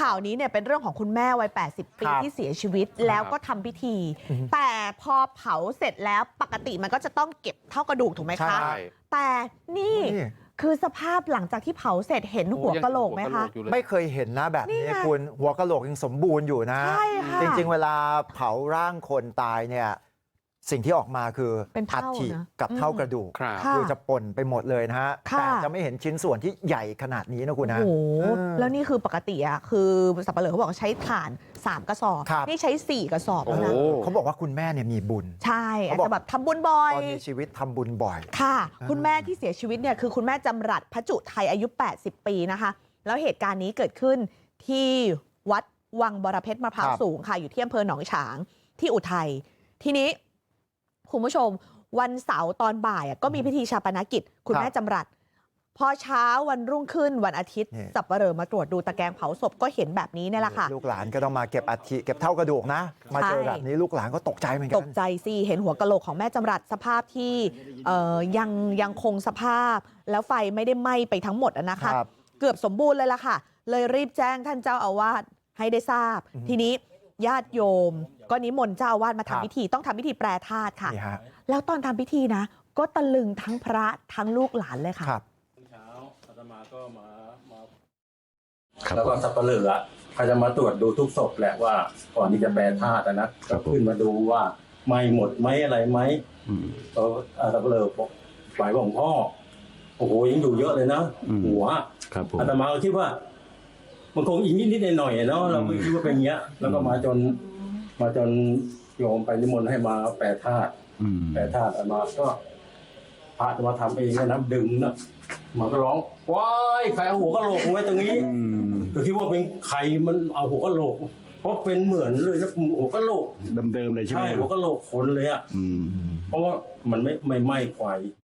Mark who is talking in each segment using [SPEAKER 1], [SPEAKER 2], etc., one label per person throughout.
[SPEAKER 1] ข่าวนี้เนี่ยเป็นเรื่องของคุณแม่วัย80 ปีที่เสียชีวิตแล้วก็ทำพิธี แต่พอเผาเสร็จแล้วปกติมันก็จะต้องเก็บเท่ากระดูกถูกไหมคะแต่นี่คือสภาพหลังจากที่เผาเสร็จเห็นหัวกะโหลกไหมคะ
[SPEAKER 2] ไม่เคยเห็นนะแบบนี้คุณหัวกะโหลกยังสมบูรณ์อยู่นะจริงๆเวลาเผาร่างคนตายเนี่ยสิ่งที่ออกมาคืออัฐิกับเท่ากระดูกคือจะป่นไปหมดเลยนะฮะแต่จะไม่เห็นชิ้นส่วนที่ใหญ่ขนาดนี้นะคุณนะ
[SPEAKER 1] โอ้โหแล้วนี่คือปกติอะคือสับปะเหร่อเขาบอกใช้ถ่าน3 กระสอบนี่ใช้4 กระสอบแล้วนะ
[SPEAKER 2] เขาบอกว่าคุณแม่เนี่ยมีบุญ
[SPEAKER 1] ใช่อาจจะแบบทำบุญบ่อย
[SPEAKER 2] ตอนมีชีวิตทำบุญบ่อย
[SPEAKER 1] ค่ะคุณแม่ที่เสียชีวิตเนี่ยคือคุณแม่จำรัดพระจุไทยอายุ80 ปีนะคะแล้วเหตุการณ์นี้เกิดขึ้นที่วัดวังบรเพชรมะพร้าวสูงค่ะอยู่ที่อำเภอหนองฉางที่อุทัยทีนี้คุณผู้ชมวันเสาร์ตอนบ่ายก็มีพิธีชาปนกิจคุณแม่จำรัดพอเช้าวันรุ่งขึ้นวันอาทิตย์สับปะเหร่อมาตรวจดูตะแกรงเผาศพก็เห็นแบบนี้นี่แหละค่ะ
[SPEAKER 2] ลูกหลานก็ต้องมาเก็บอัฐิเก็บเท่ากระดูกนะมาเจอแบบนี้ลูกหลานก็ตกใจเหมือนกัน
[SPEAKER 1] ตกใจสิเห็นหัวกะโหลกของแม่จำรัดสภาพที่ยังคงสภาพแล้วไฟไม่ได้ไหม้ไปทั้งหมดนะคะเกือบสมบูรณ์เลยล่ะค่ะเลยรีบแจ้งท่านเจ้าอาวาสให้ได้ทราบทีนี้ญาติโยมก็นิมนต์เจ้าอาวาสมาทำพิธีต้องทำพิธีแปรธาตุค่ะแล้วตอนทำพิธีนะก็ตะลึงทั้งพระทั้งลูกหลานเลยค่ะ
[SPEAKER 3] เช้าอาตมาก็มาแล้วก็สับปะเหร่อเขาจะมาตรวจดูทุกศพแหละว่าก่อนที่จะแปรธาตุนะก็ขึ้นมาดูว่าไม่หมดไหมอะไรไหมสับปะเหร่อบอกฝ่ายของพ่อโอ้โหยังอยู่เยอะเลยนะหัวอาตมาก็คิดว่ามันคงอีกนิดหน่อยเนาะเราไม่คิดว่าเป็นเงี้ยแล้วก็มาจนโยมไปนิมนต์ให้มาแปรธาตุอาตมาก็พระจะมาทำเองนะดึงนะมันก็ร้องว้ายใครเอาหัวกะโหลกไว้ตรงนี้ก็คิดว่าเป็นใครมันเอาหัวกะโหลกเพราะเป็นเหมือนเลยนะหัวกะโหลก
[SPEAKER 4] เดิมเลยใช่ไหม
[SPEAKER 3] ใช่หัวกะโหลกคนเลยอ่ะเพราะว่ามันไม่ไหม้ไฟ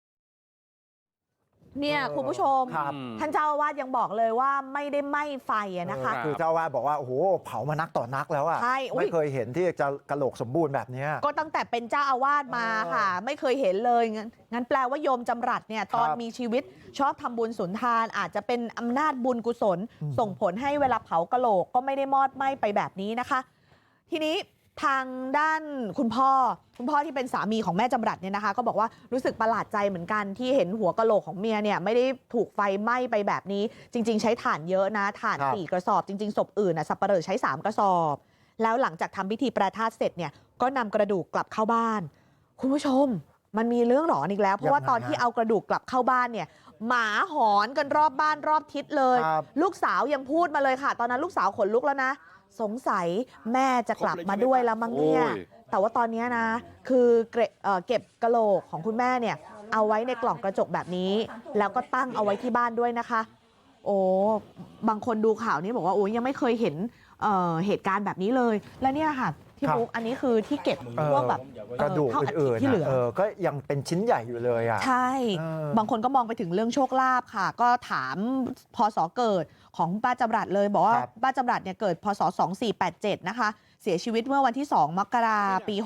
[SPEAKER 1] เนี่ยคุณผู้ชมท่านเจ้าอาวาสยังบอกเลยว่าไม่ได้ไหม้ไฟนะคะ
[SPEAKER 2] คือเจ้าอาวาสบอกว่าโอ้โหเผามานักต่อนักแล้วอะไม่เคยเห็นที่จะกะโหลกสมบูรณ์แบบนี้
[SPEAKER 1] ก็ตั้งแต่เป็นเจ้าอาวาสมาค่ะไม่เคยเห็นเลยงั้นแปลว่าโยมจำรัดเนี่ยตอนมีชีวิตชอบทำบุญสุนทานอาจจะเป็นอำนาจบุญกุศลส่งผลให้เวลาเผากะโหลกก็ไม่ได้มอดไหม้ไปแบบนี้นะคะทีนี้ทางด้านคุณพ่อที่เป็นสามีของแม่จำรัดเนี่ยนะคะก็บอกว่ารู้สึกประหลาดใจเหมือนกันที่เห็นหัวกะโหลกของเมียเนี่ยไม่ได้ถูกไฟไหม้ไปแบบนี้จริงๆใช้ถ่านเยอะนะถ่าน4 กระสอบจริงๆศพอื่นสับปะเหร่อใช้3 กระสอบแล้วหลังจากทำพิธีแปรธาตุเสร็จเนี่ยก็นำกระดูกกลับเข้าบ้านคุณผู้ชมมันมีเรื่องหลอนอีกแล้วเพราะว่าตอนที่เอากระดูกกลับเข้าบ้านเนี่ยหมาหอนกันรอบบ้านรอบทิศเลยลูกสาวยังพูดมาเลยค่ะตอนนั้นลูกสาวขนลุกแล้วนะสงสัยแม่จะกลับมาด้วยแล้วมั้งเนี่ยแต่ว่าตอนนี้นะคือเก็บกะโหลกของคุณแม่เนี่ยเอาไว้ในกล่องกระจกแบบนี้แล้วก็ตั้งเอาไว้ที่บ้านด้วยนะคะโอ้บางคนดูข่าวนี้บอกว่าโอ้ยังไม่เคยเห็นเหตุการณ์แบบนี้เลยแล้วเนี่ยค่ะที่บุ๊กอันนี้คือที่เก็บพวกแบบ
[SPEAKER 2] กระดูกอื่นๆที่เหลือก็ยังเป็นชิ้นใหญ่อยู่เลยอ่ะ
[SPEAKER 1] ใช่บางคนก็มองไปถึงเรื่องโชคลาภค่ะก็ถามพศเกิดของป้าจำรัดเลยบอกว่าป้าจำรัดเนี่ยเกิดพศ2487นะคะเสียชีวิตเมื่อวันที่2 มกราคม ปี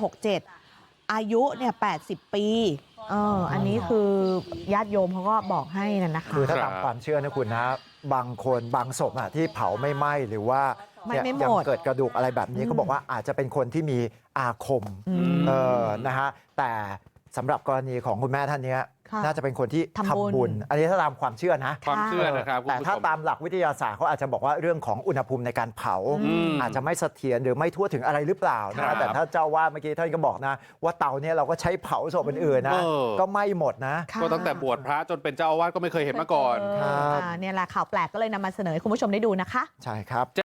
[SPEAKER 1] 67อายุเนี่ย80 ปีอันนี้คือญาติโยมเขาก็บอกให้นะคะ
[SPEAKER 2] คือถ้าตามความเชื่อนะคุณนะบางคนบางศพที่เผาไม่ไหม้หรือว่ายังเกิดกระดูกอะไรแบบนี้เขาบอกว่าอาจจะเป็นคนที่มีอาคมนะฮะแต่สำหรับกรณีของคุณแม่ท่านนี้น่าจะเป็นคนที่ทำบุญอันนี้ถ้าตามความเชื่อนะ
[SPEAKER 4] ความเชื่อนะครับ
[SPEAKER 2] แต่ถ้าตามหลักวิทยาศาสตร์เขาอาจจะบอกว่าเรื่องของอุณหภูมิในการเผาอาจจะไม่เสถียรหรือไม่ทั่วถึงอะไรหรือเปล่านะแต่ถ้าเจ้าว่าเมื่อกี้ท่านก็บอกนะว่าเตาเนี่ยเราก็ใช้เผาศพอื่นๆนะก็ไม่หมดนะ
[SPEAKER 4] ก็ตั้งแต่บวชพระจนเป็นเจ้าอาวาสก็ไม่เคยเห็นมาก่อน
[SPEAKER 1] เนี่ยแหละข่าวแปลกก็เลยนำมาเสนอให้คุณผู้ชมได้ดูนะคะ
[SPEAKER 2] ใช่ครับ